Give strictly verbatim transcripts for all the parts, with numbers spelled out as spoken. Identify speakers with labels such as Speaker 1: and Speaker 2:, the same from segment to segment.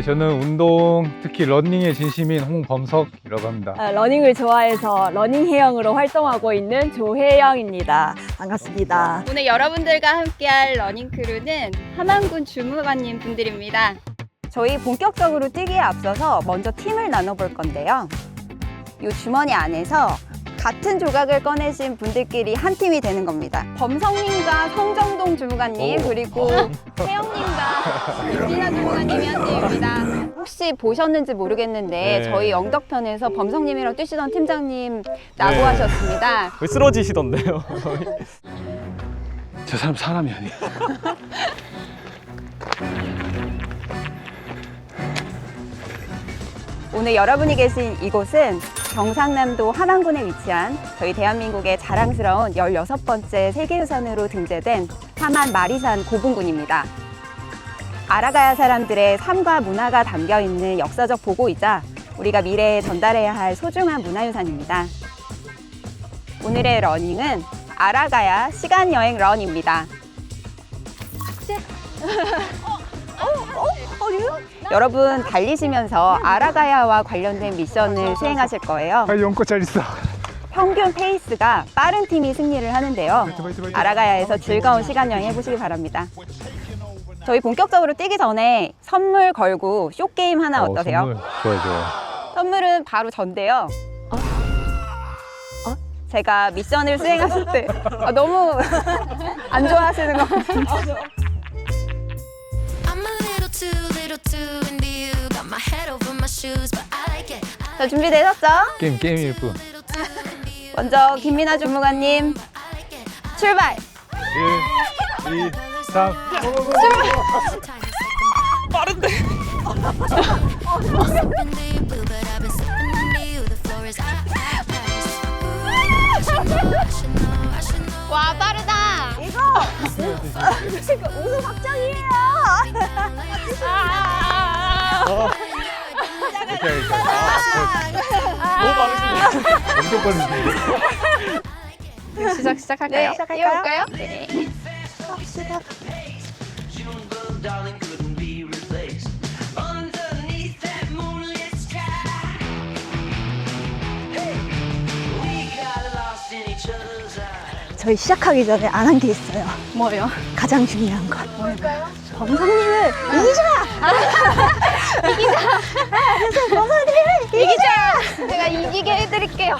Speaker 1: 네, 저는 운동, 특히 러닝의 진심인 홍범석이라고 합니다.
Speaker 2: 아, 러닝을 좋아해서 러닝 해영으로 활동하고 있는 조혜영입니다. 반갑습니다.
Speaker 3: 오늘 여러분들과 함께할 러닝 크루는 함안군 주무관님 분들입니다.
Speaker 2: 저희 본격적으로 뛰기에 앞서서 먼저 팀을 나눠볼 건데요. 이 주머니 안에서 같은 조각을 꺼내신 분들끼리 한 팀이 되는 겁니다. 범성님과 성정동 주무관님
Speaker 1: 오.
Speaker 2: 그리고 혜영님과 윤진아 주무관님이 한 팀입니다. 혹시 보셨는지 모르겠는데
Speaker 1: 네.
Speaker 2: 저희 영덕편에서 범성님이랑 뛰시던 팀장님 라고
Speaker 1: 네.
Speaker 2: 하셨습니다.
Speaker 4: 거의 쓰러지시던데요.
Speaker 1: 저 사람 사람이 아니에요.
Speaker 2: 오늘 여러분이 계신 이곳은 경상남도 함안군에 위치한 저희 대한민국의 자랑스러운 열여섯 번째 세계유산으로 등재된 함안 마리산 고분군입니다. 알아가야 사람들의 삶과 문화가 담겨 있는 역사적 보고이자 우리가 미래에 전달해야 할 소중한 문화유산입니다. 오늘의 러닝은 알아가야 시간여행 런입니다. 여러분 달리시면서 알아가야와 관련된 미션을 수행하실 거예요.
Speaker 1: 아, 연꽃 잘 있어.
Speaker 2: 평균 페이스가 빠른 팀이 승리를 하는데요. 알아가야에서 즐거운 시간 여행 해보시기 바랍니다. 저희 본격적으로 뛰기 전에 선물 걸고 쇼게임 하나 어떠세요?
Speaker 1: 선물. 좋아요, 좋아요.
Speaker 2: 선물은 바로 전데요. 제가 미션을 수행하실 때 아, 너무 안 좋아하시는 것 같아요. 자, 준비되셨죠?
Speaker 1: 게임, 게임일 뿐.
Speaker 2: 먼저 김민아 주무관님 출발!
Speaker 1: 일, 이, 삼.
Speaker 4: 빠른데.
Speaker 3: 와, 빠르다.
Speaker 2: 이거 이거 우승 확정이에요.
Speaker 1: 이렇게 하니까.
Speaker 4: 너무 빠르시네.
Speaker 1: 엄청 빠른데.
Speaker 3: 시작, 시작할까요?
Speaker 2: 네, 시작할까요?
Speaker 3: 해볼까요?
Speaker 5: Darling couldn't be replaced underneath that moonlit sky. Hey, we got lost in each other's eyes.
Speaker 6: 저희 시작하기 전에 안 한 게 있어요.
Speaker 3: 뭐요?
Speaker 6: 가장 중요한 것. 뭘까요? 범성님을 이기자! 이기자! 그래서 범성님을 이기자!
Speaker 3: 제가 이기게 해드릴게요.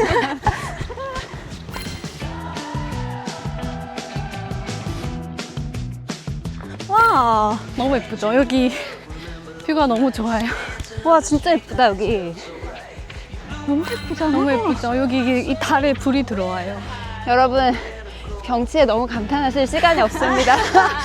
Speaker 6: 와,
Speaker 7: 너무 예쁘죠? 여기 뷰가 너무 좋아요.
Speaker 6: 와 진짜 예쁘다 여기. 너무 예쁘잖아.
Speaker 7: 너무 예쁘죠? 여기 이게 이 달에 불이 들어와요.
Speaker 2: 여러분 경치에 너무 감탄하실 시간이 없습니다.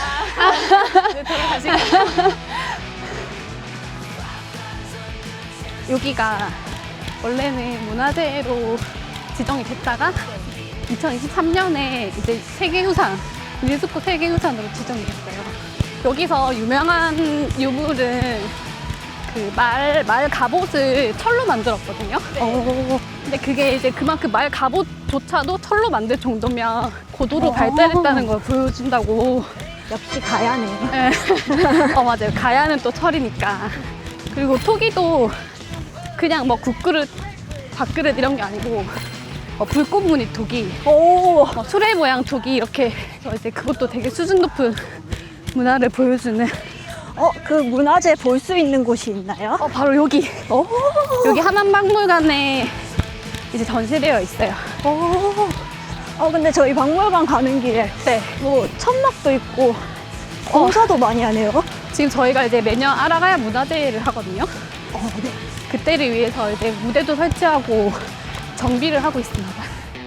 Speaker 7: 여기가 원래는 문화재로 지정이 됐다가 이천이십삼 년에 이제 세계유산, 유네스코 세계유산으로 지정이 됐어요. 여기서 유명한 유물은 그 말, 말 갑옷을 철로 만들었거든요.
Speaker 6: 오,
Speaker 7: 근데 그게 이제 그만큼 말 갑옷조차도 철로 만들 정도면 고도로 발달했다는 걸 보여준다고.
Speaker 6: 역시 가야네요.
Speaker 7: 네. 어, 맞아요. 가야는 또 철이니까. 그리고 토기도 그냥 뭐 국그릇, 밥그릇 이런 게 아니고 어, 불꽃무늬 토기,
Speaker 6: 오,
Speaker 7: 어, 수레 모양 토기 이렇게 해서 이제 그것도 되게 수준 높은 문화를 보여주는.
Speaker 6: 어, 그 문화재 볼 수 있는 곳이 있나요?
Speaker 7: 어, 바로 여기.
Speaker 6: 오,
Speaker 7: 여기 함안박물관에 이제 전시되어 있어요.
Speaker 6: 오. 어, 근데 저희 박물관 가는 길에
Speaker 7: 네.
Speaker 6: 뭐 천막도 있고 공사도 많이 하네요.
Speaker 7: 지금 저희가 이제 매년 알아가야 문화제를 하거든요.
Speaker 6: 어, 네.
Speaker 7: 그때를 위해서 이제 무대도 설치하고 정비를 하고 있습니다.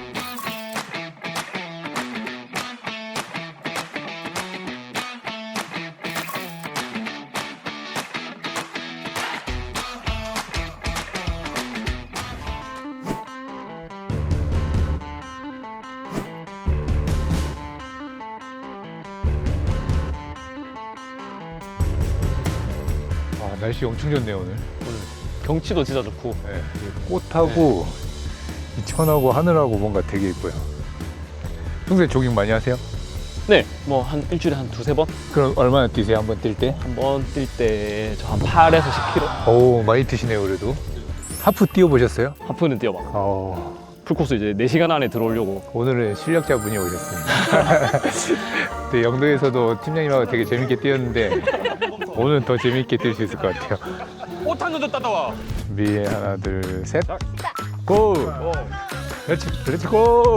Speaker 1: 아, 날씨 엄청 좋네요, 오늘.
Speaker 4: 경치도 진짜 좋고.
Speaker 1: 네, 이 꽃하고 이 천하고 하늘하고 뭔가 되게 예뻐요. 평소에 조깅 많이 하세요?
Speaker 4: 네, 뭐 한 일주일에 한 두세 번?
Speaker 1: 그럼 얼마나 뛰세요? 한 번 뛸 때?
Speaker 4: 한 번 뛸 때 저 한 팔에서 십 킬로미터.
Speaker 1: 오, 많이 뛰시네요, 그래도. 하프 뛰어보셨어요?
Speaker 4: 하프는 뛰어봐.
Speaker 1: 어,
Speaker 4: 풀코스 이제 네 시간 안에 들어오려고.
Speaker 1: 오늘은 실력자분이 오셨습니다. 네, 영도에서도 팀장님하고 되게 재밌게 뛰었는데 오늘은 더 재밌게 뛸 수 있을 것 같아요.
Speaker 4: 오탄 던져 따다와.
Speaker 1: 준비 하나, 둘, 셋. 고! 그렇지, 그렇지, 고!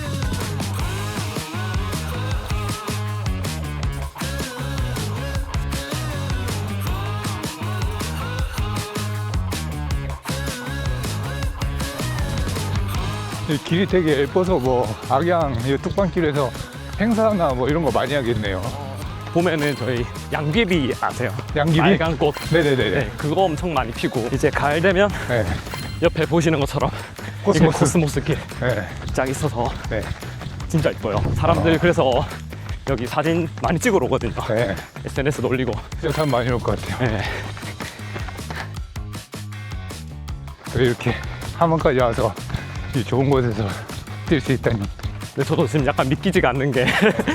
Speaker 1: 이 길이 되게 예뻐서 뭐 악양 이 뚝방길에서 행사나 뭐 이런 거 많이 하겠네요.
Speaker 4: 봄에는 저희 양귀비 아세요?
Speaker 1: 양귀비?
Speaker 4: 빨간 꽃.
Speaker 1: 네네네.
Speaker 4: 네, 그거 엄청 많이 피고 이제 가을 되면
Speaker 1: 네.
Speaker 4: 옆에 보시는 것처럼
Speaker 1: 코스모스.
Speaker 4: 이렇게 코스모스길
Speaker 1: 네.
Speaker 4: 쫙 있어서
Speaker 1: 네.
Speaker 4: 진짜 이뻐요. 사람들 그래서 여기 사진 많이 찍으러 오거든요.
Speaker 1: 네.
Speaker 4: 에스엔에스도 올리고.
Speaker 1: 진짜 사람 많이 올 것 같아요.
Speaker 4: 네.
Speaker 1: 이렇게 함원까지 와서 이 좋은 곳에서 뛸 수 있다니.
Speaker 4: 근데 저도 지금 약간 믿기지가 않는 게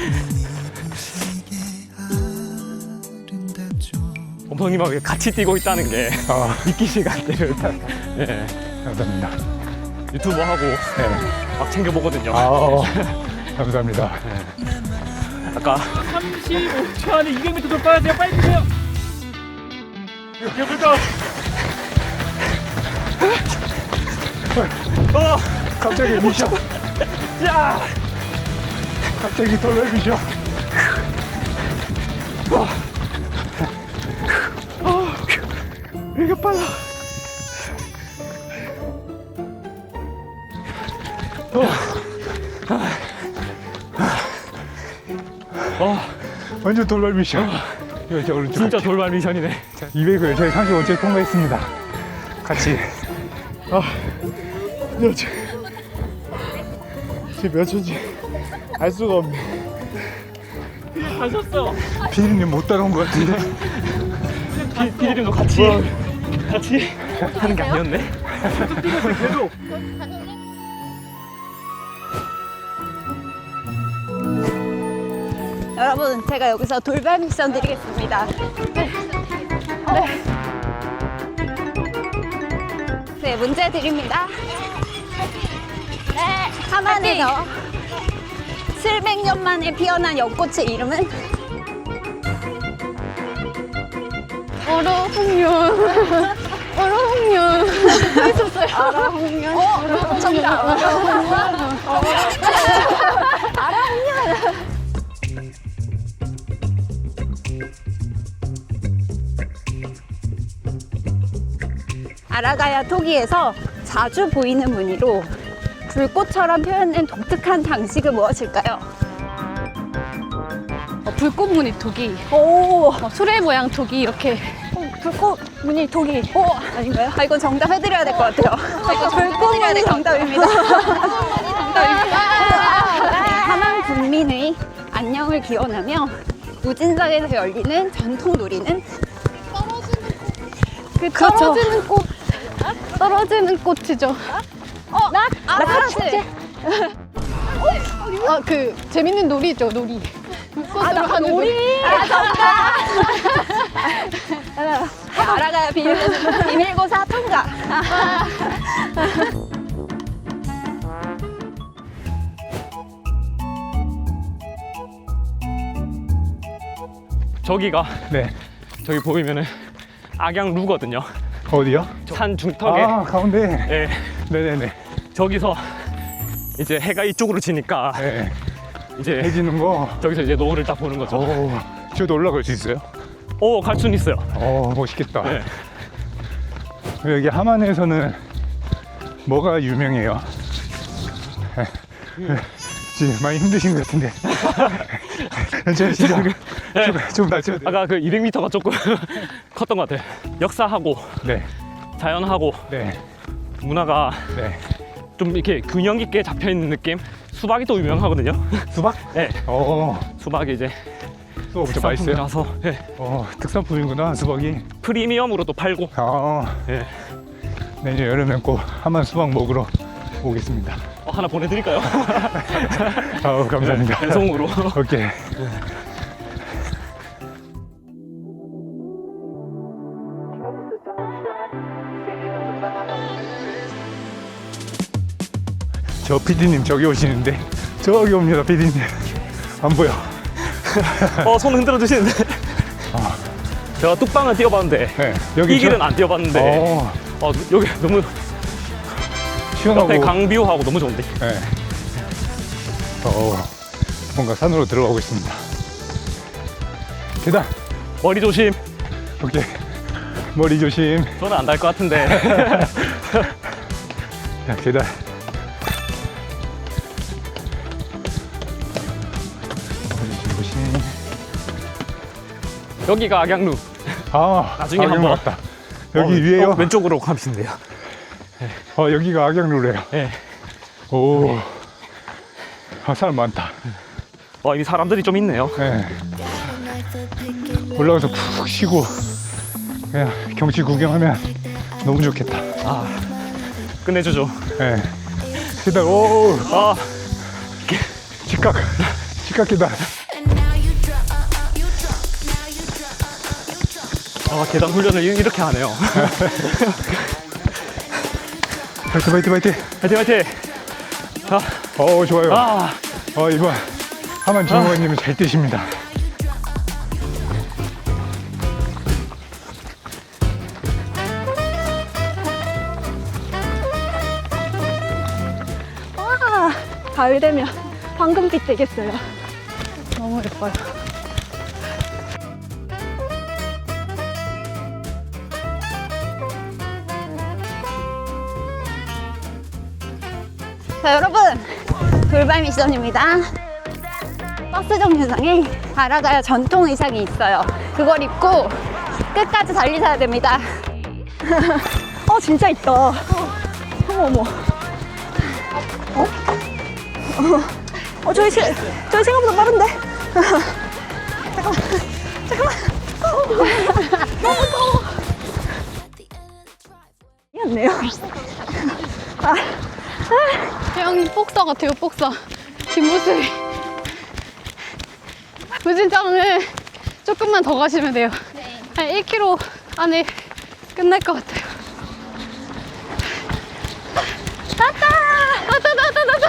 Speaker 4: 어머님하고 같이 뛰고 있다는 게
Speaker 1: 아,
Speaker 4: 믿기지가 않대요. 네.
Speaker 1: 감사합니다.
Speaker 4: 유튜브 하고
Speaker 1: 네.
Speaker 4: 막 챙겨보거든요.
Speaker 1: 아, 감사합니다.
Speaker 4: 아까
Speaker 8: 삼십오 초 안에 이백 미터 돌파해야 돼요. 빨리 뛰세요. 이거부터.
Speaker 1: 어, 갑자기 미션.
Speaker 4: 야!
Speaker 1: 갑자기 돌발 미션.
Speaker 4: 이게 빨라. 어,
Speaker 1: 완전 돌발 미션. 이거 저 오른쪽.
Speaker 4: 진짜 돌발 미션이네.
Speaker 1: 이백을 저희 삼십오 초에 통과했습니다. 같이.
Speaker 8: 아, 야, 저, 지금 몇 초인지 알 수가 없네. 가셨어.
Speaker 1: 피디님 못 따라온 것 같은데.
Speaker 4: 피, 피디님도 같이 같이 하는 게 아니었네.
Speaker 8: 계속.
Speaker 2: 여러분, 제가 여기서 돌발 미션 드리겠습니다. 네. 네, 문제 드립니다. 네, 하만에서 칠백 년 만에 피어난 연꽃의 이름은?
Speaker 7: 얼어홍련. 얼어홍련. 있었어요. 얼어홍련.
Speaker 2: 어, 정답. 알아홍련. 아라가야 토기에서 자주 보이는 무늬로 불꽃처럼 표현된 독특한 장식은 무엇일까요?
Speaker 7: 어, 불꽃 무늬 토기.
Speaker 2: 오,
Speaker 7: 어, 수레 모양 토기 이렇게.
Speaker 2: 어, 불꽃 무늬 토기. 오, 아닌가요? 아, 이건 정답 해드려야 될 것 같아요. 이거 불꽃 무늬 정답입니다. 정답입니다. 하만 군민의 안녕을 기원하며 우진성에서 열리는 전통 놀이는?
Speaker 7: 그
Speaker 2: 그렇죠.
Speaker 7: 떨어지는 꽃. 떨어지는 꽃이죠.
Speaker 2: 어, 낙, 낙하축제.
Speaker 7: 아, 그 재밌는 놀이 있죠, 놀이. 불꽃으로 하는 놀이.
Speaker 2: 아, 정답. 알아가야 비밀고사, 비밀고사 통과.
Speaker 4: 저기가
Speaker 1: 네.
Speaker 4: 저기 보이면은 악양루거든요.
Speaker 1: 어디요?
Speaker 4: 산 중턱에.
Speaker 1: 아, 가운데.
Speaker 4: 네,
Speaker 1: 네네네.
Speaker 4: 저기서 이제 해가 이쪽으로 지니까
Speaker 1: 네.
Speaker 4: 이제
Speaker 1: 해지는 거.
Speaker 4: 저기서 이제 노을을 딱 보는 거죠.
Speaker 1: 오, 저도 올라갈 수 있어요?
Speaker 4: 오, 갈 수는 있어요.
Speaker 1: 어, 멋있겠다.
Speaker 4: 네.
Speaker 1: 여기 하만에서는 뭐가 유명해요? 지금 많이 힘드신 것 같은데. 괜찮으시죠? 좀, 좀 낮춰야 돼요.
Speaker 4: 아까 그 이백 미터가 조금 컸던 것 같아요. 역사하고
Speaker 1: 네,
Speaker 4: 자연하고
Speaker 1: 네,
Speaker 4: 문화가
Speaker 1: 네.
Speaker 4: 좀 이렇게 균형 있게 잡혀 있는 느낌. 수박이 또 유명하거든요.
Speaker 1: 수박?
Speaker 4: 네,
Speaker 1: 어,
Speaker 4: 수박이 이제
Speaker 1: 수박 엄청 맛있어요?
Speaker 4: 특산품이라서 네.
Speaker 1: 어, 특산품이구나, 수박이.
Speaker 4: 프리미엄으로 또 팔고.
Speaker 1: 아,
Speaker 4: 네.
Speaker 1: 내년 여름엔 꼭 하만 수박 먹으러 오겠습니다.
Speaker 4: 어, 하나 보내드릴까요?
Speaker 1: 아우, 감사합니다.
Speaker 4: 배송으로.
Speaker 1: 오케이. 저 피디님 저기 오시는데 저기 옵니다. 피디님 안 보여.
Speaker 4: 어, 손 흔들어 주시는데. 제가 뚝방을 뛰어봤는데
Speaker 1: 네, 여기
Speaker 4: 이 길은
Speaker 1: 저-
Speaker 4: 안 뛰어봤는데
Speaker 1: 어,
Speaker 4: 어, 여기 너무
Speaker 1: 시원하고
Speaker 4: 옆에 강뷰하고 너무 좋은데.
Speaker 1: 네. 어, 뭔가 산으로 들어가고 있습니다. 계단.
Speaker 4: 머리 조심.
Speaker 1: 오케이. 머리 조심.
Speaker 4: 저는 안 달 것 같은데.
Speaker 1: 자, 계단. 머리 조심.
Speaker 4: 여기가 악양루.
Speaker 1: 아,
Speaker 4: 나중에
Speaker 1: 악양루
Speaker 4: 한번-
Speaker 1: 같다. 여기
Speaker 4: 어,
Speaker 1: 위에요?
Speaker 4: 어, 왼쪽으로 가면 돼요.
Speaker 1: 어, 여기가 악양루래요.
Speaker 4: 네.
Speaker 1: 오. 아, 사람 많다.
Speaker 4: 와, 이 사람들이 좀 있네요.
Speaker 1: 네. 올라가서 푹 쉬고 그냥 경치 구경하면 너무 좋겠다.
Speaker 4: 아, 끝내주죠.
Speaker 1: 네. 계단, 오,
Speaker 4: 아,
Speaker 1: 직각, 직각 계단.
Speaker 4: 아, 계단 훈련을 이- 이렇게 하네요.
Speaker 1: 파이팅, 파이팅, 파이팅.
Speaker 4: 화이팅, 화이팅. 아,
Speaker 1: 어, 좋아요.
Speaker 4: 아,
Speaker 1: 어, 이번 하만 주무관님은 잘 뛰십니다.
Speaker 7: 와, 가을 되면 황금빛 되겠어요. 너무 예뻐요.
Speaker 6: 자, 여러분, 돌발 미션입니다. 버스 정류장에 바라가야 전통 의상이 있어요. 그걸 입고 끝까지 달리셔야 됩니다.
Speaker 7: 어, 진짜 있다. 어머, 어머. 어? 어, 어 저희, 시, 저희 생각보다 빠른데? 잠깐만, 잠깐만. 너무 더워. 미안해요. 아, 태영이 복서 같아요, 복서. 뒷모습이. 무진장을 조금만 더 가시면 돼요. 한 일 킬로미터 안에 끝날 것 같아요. 왔다! 왔다, 왔다, 왔다!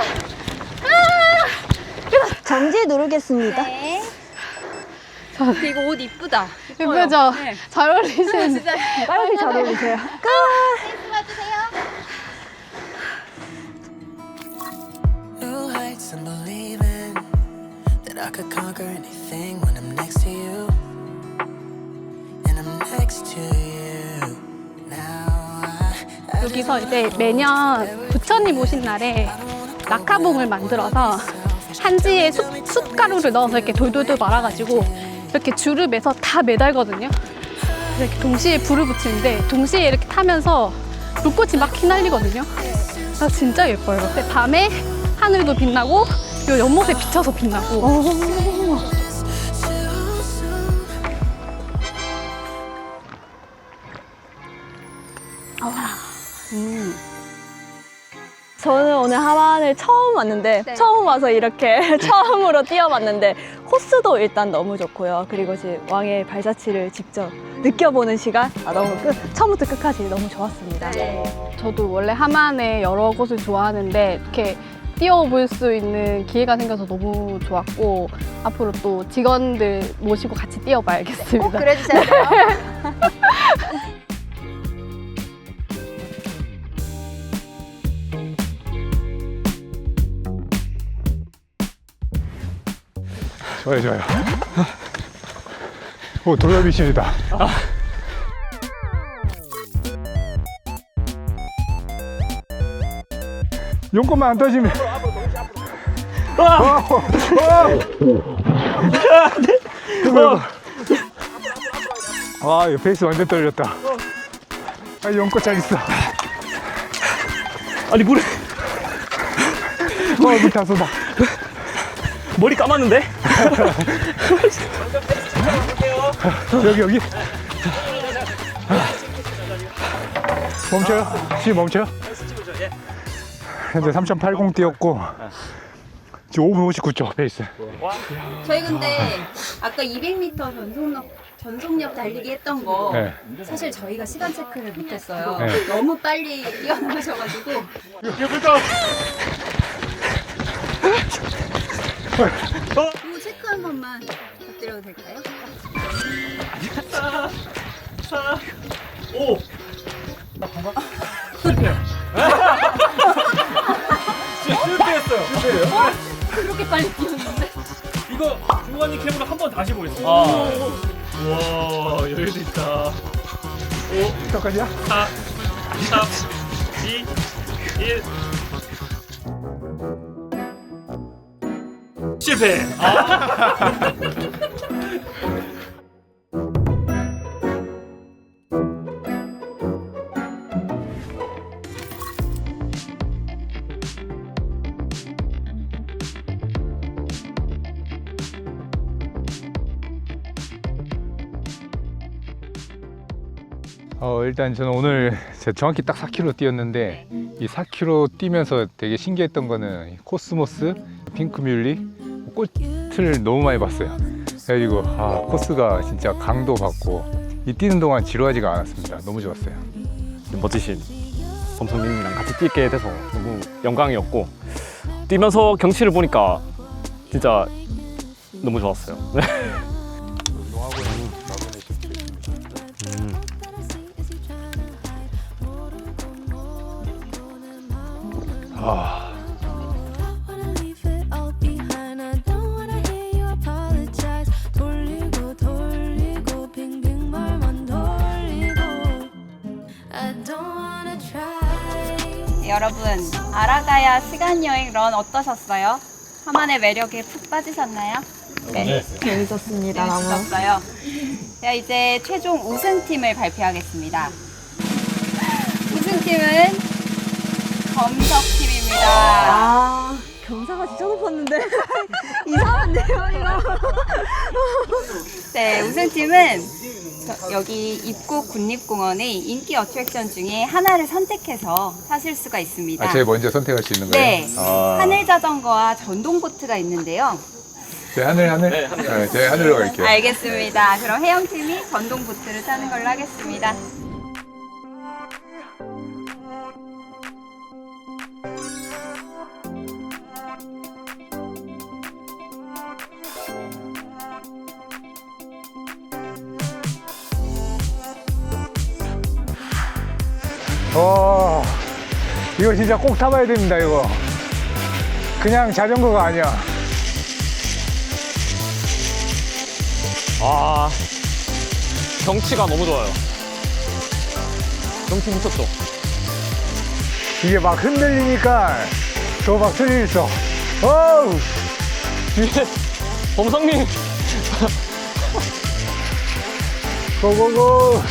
Speaker 7: 아!
Speaker 6: 정지 누르겠습니다.
Speaker 3: 근데 이거 옷 이쁘다.
Speaker 7: 예쁘죠?
Speaker 3: 네.
Speaker 7: 잘 어울리시는.
Speaker 3: 진짜
Speaker 7: 빨리 잘 어울리세요.
Speaker 5: New heights and believing that I could conquer anything when I'm next to you. And I'm next to you. Now I, I
Speaker 7: 여기서 이제 매년 부처님 오신 날에 낙하봉을 만들어서 한지에 숯, 숯가루를 넣어서 이렇게 돌돌돌 말아가지고 이렇게 줄을 매서 다 매달거든요. 그래서 이렇게 동시에 불을 붙이는데 동시에 이렇게 타면서 불꽃이 막 휘날리거든요. 그래서 진짜 예뻐요. 근데 밤에 하늘도 빛나고 요 연못에 비쳐서 빛나고.
Speaker 6: 저는 오늘 하만을 처음 왔는데 처음 와서 이렇게 처음으로 뛰어봤는데 코스도 일단 너무 좋고요. 그리고 지금 왕의 발자취를 직접 느껴보는 시간 아, 너무 끝 처음부터 끝까지 너무 좋았습니다.
Speaker 7: 저도 원래 하만의 여러 곳을 좋아하는데 이렇게 뛰어볼 수 있는 기회가 생겨서 너무 좋았고 앞으로 또 직원들 모시고 같이 뛰어봐야겠습니다.
Speaker 3: 꼭 그래주셔야 돼요.
Speaker 1: 좋아요, 좋아요. 오, 돌발 미션이다. 용건만 안 터지면. 와! 와! 와, 이거 페이스 완전 떨렸다. 아, 용건 잘 있어.
Speaker 4: 아니 물에
Speaker 1: 어, 물다 쏟아.
Speaker 4: 머리 감았는데?
Speaker 1: 여기, 여기. 멈춰요. 시 멈춰요. 현재 삼 점 팔공 뛰었고 지금 오 분 오십구 초 페이스.
Speaker 3: 저희 근데 아까 이백 미터 전속력 전속력 달리기 했던 거
Speaker 1: 네.
Speaker 3: 사실 저희가 시간 체크를 못했어요.
Speaker 1: 네.
Speaker 3: 너무 빨리 뛰어나셔가지고 이거 체크 한 번만 부탁드려도 될까요?
Speaker 8: 오. 실패했어요. 실패예요?
Speaker 3: 그렇게 빨리 뛰었는데.
Speaker 8: 이거 중간이 캠으로 한 번 다시 보겠습니다.
Speaker 4: 아.
Speaker 8: 우와 여유도 있다.
Speaker 1: 똑같이야?
Speaker 8: 사, 삼, 이, 일. 실패. 아.
Speaker 1: 어, 일단 저는 오늘 제가 정확히 딱 사 킬로미터 뛰었는데 이 사 킬로미터 뛰면서 되게 신기했던 거는 이 코스모스, 핑크뮬리 꽃을 너무 많이 봤어요. 그래가지고 아, 코스가 진짜 강도 받고 이 뛰는 동안 지루하지가 않았습니다. 너무 좋았어요.
Speaker 4: 멋지신 범성님이랑 같이 뛰게 돼서 너무 영광이었고 뛰면서 경치를 보니까 진짜 너무 좋았어요. 음.
Speaker 1: 아,
Speaker 5: wanna leave it all behind. I don't wanna hear you apologize. 돌리고 돌리고 빙빙 말만 돌리고. I don't wanna try.
Speaker 3: 여러분 아라가야 시간 여행 런 어떠셨어요? 하만의 매력에 푹 빠지셨나요? 네.
Speaker 6: 재밌었습니다. 너무.
Speaker 3: 재밌었어요. 자 이제 최종 우승팀을 발표하겠습니다. 우승팀은 검석팀입니다.
Speaker 6: 아, 경사가 진짜 높았는데 이상한데요 이거.
Speaker 3: 네, 우승팀은 저- 여기 입구 국립공원의 인기 어트랙션 중에 하나를 선택해서 타실 수가 있습니다.
Speaker 1: 아, 제가 먼저 선택할 수 있는 거예요?
Speaker 3: 네,
Speaker 1: 아,
Speaker 3: 하늘 자전거와 전동 보트가 있는데요.
Speaker 1: 제 하늘 하늘? 네, 하늘. 제 하늘로 갈게요.
Speaker 3: 알겠습니다. 그럼 혜영팀이 전동 보트를 타는 걸로 하겠습니다.
Speaker 1: 와, 이거 진짜 꼭 타봐야 됩니다, 이거. 그냥 자전거가 아니야.
Speaker 4: 아, 경치가 너무 좋아요. 경치 미쳤죠?
Speaker 1: 이게 막 흔들리니까 저 막 스릴 있어. 어우!
Speaker 4: 뒤에 범성님
Speaker 1: 고고고!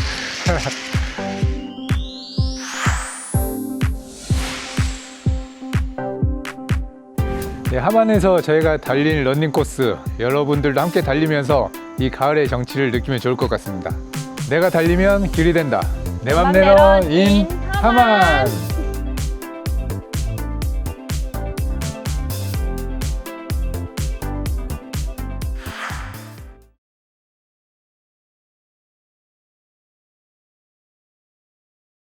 Speaker 1: 네, 하만에서 저희가 달린 러닝 코스 여러분들도 함께 달리면서 이 가을의 정취를 느끼면 좋을 것 같습니다. 내가 달리면 길이 된다. 내 맘대로 인 하만!